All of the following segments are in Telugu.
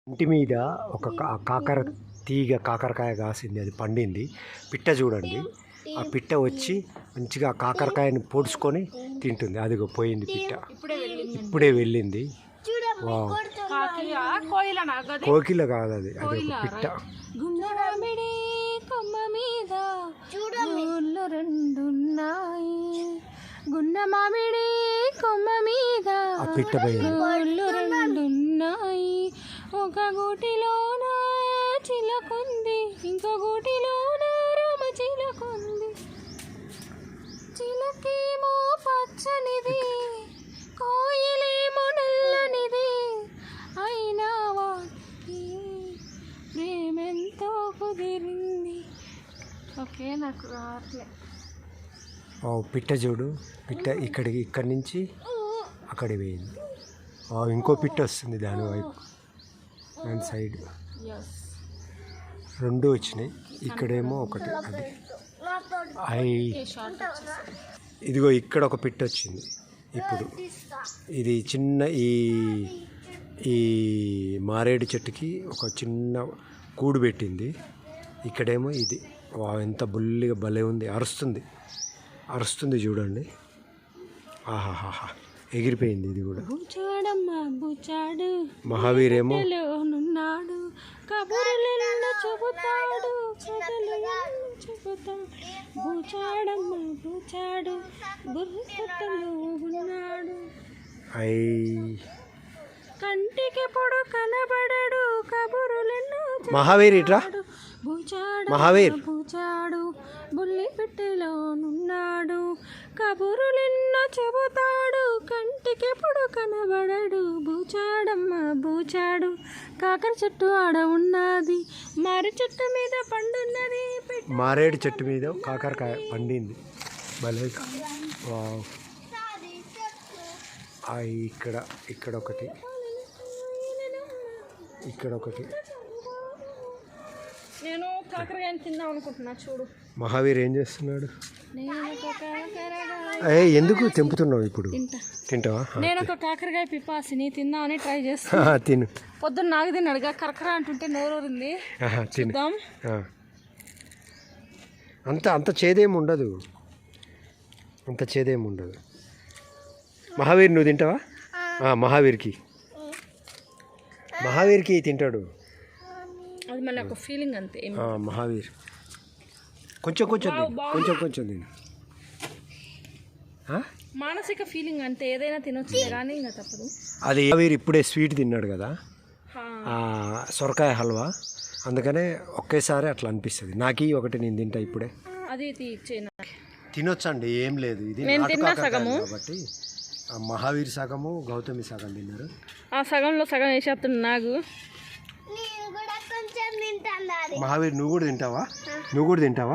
ఇంటి మీద ఒక కాకరకాయ కాసింది, అది పండింది. పిట్ట చూడండి, ఆ పిట్ట వచ్చి మంచిగా కాకరకాయని పొడుచుకొని తింటుంది. అదిగో పోయింది పిట్ట, ఇప్పుడే వెళ్ళింది. కోకిల కాదు అది, అది ఒక పిట్ట. గున్న మామిడి కొమ్మ మీద ఆ పిట్ట రెండున్నాయి. ఒక గూటిలోన చిలకుంది, ఇంకో గూటిలోన రామ చిలకుంది. చిలకేమో పచ్చనిది, కోయిలేమో నల్లనిది. అయినా వాటి ప్రేమెంతో కుదిరింది. ఓకే, నాకు రావట్లే. పిట్ట చూడు, పిట్ట ఇక్కడి నుంచి అక్కడికి పోయింది. ఇంకో పిట్ట వస్తుంది దాని వైపు, దాని సైడ్. రెండు వచ్చినాయి, ఇక్కడేమో ఒకటి. అది ఇదిగో ఇక్కడ ఒక పిట్ట వచ్చింది. ఇప్పుడు ఇది చిన్న ఈ మారేడు చెట్టుకి ఒక చిన్న కూడు పెట్టింది. ఇక్కడేమో ఇది. ఎంత బుల్లిగా భలే ఉంది, అరుస్తుంది చూడండి. ఆహాహా, ఎగిరిపోయింది ఇది కూడా. మహావీరేమో కంటికి పొడు కనబడడు, కబురులెన్నో మహావీర్ ఇట్రా. మహావీర్ పూచాడు, బుల్లి పెట్టెలోనున్నాడు, కబురులెన్నో చెబుతాడు, కంటికి పొడు కనబడడు. బూచాడమ్మ బూచాడు, కాకర చెట్టు ఆడ ఉన్నది, మారేడు చెట్టు మీద పండున్నది. మారేడు చెట్టు మీద కాకరకాయ పండింది, భలే. ఇక్కడ ఒకటి, ఇక్కడ ఒకటి. నేను కాకరకాయని తిందాం అనుకుంటున్నా, చూడు. మహావీర్ ఏం చేస్తున్నాడు? ఎందుకు తెంపుతున్నావు ఇప్పుడు? తింటావా? నేను ఒక కాకరకాయ పిపాసిని తిందామని ట్రై చేస్తున్నా. తిను. పొద్దున్న నాకు తిన్నాడుగా, కరకర అంటుంటే నోరూరింది. తిందాం. అంత చేదేమి ఉండదు, మహావీర్ నువ్వు తింటావా? మహావీర్కి తింటాడు. అది మళ్ళీ ఒక ఫీలింగ్ అంతే. మహావీర్ కొంచెం తిను. మానసిక ఫీలింగ్ అంతే, ఏదైనా తినొచ్చు కానీ ఇంకా తప్పదు. అది మహావీర్ ఇప్పుడే స్వీట్ తిన్నాడు కదా, సొరకాయ హల్వా, అందుకనే ఒకేసారి అట్లా అనిపిస్తుంది. నాకు ఒకటి నేను తింటా ఇప్పుడే. అది తినొచ్చండి, ఏం లేదు. ఇది కాబట్టి మహావీర్ సగము, గౌతమి సగం తిన్నారు. ఆ సగంలో సగం వేసేస్తున్నాడు నాకు. మహావీర్ నువ్వు కూడా తింటావా?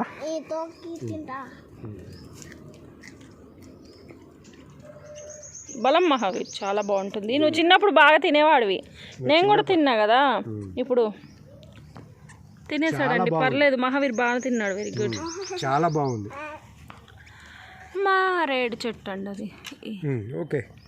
బలం మహావీర్ చాలా బాగుంటుంది. నువ్వు చిన్నప్పుడు బాగా తినేవాడివి, నేను కూడా తిన్నా కదా. ఇప్పుడు తినేసాడండి, పర్లేదు. మహావీర్ బాగా తిన్నాడు, వెరీ గుడ్, చాలా బాగుంది. మారేడు చెట్టు అండి అది. ఓకే.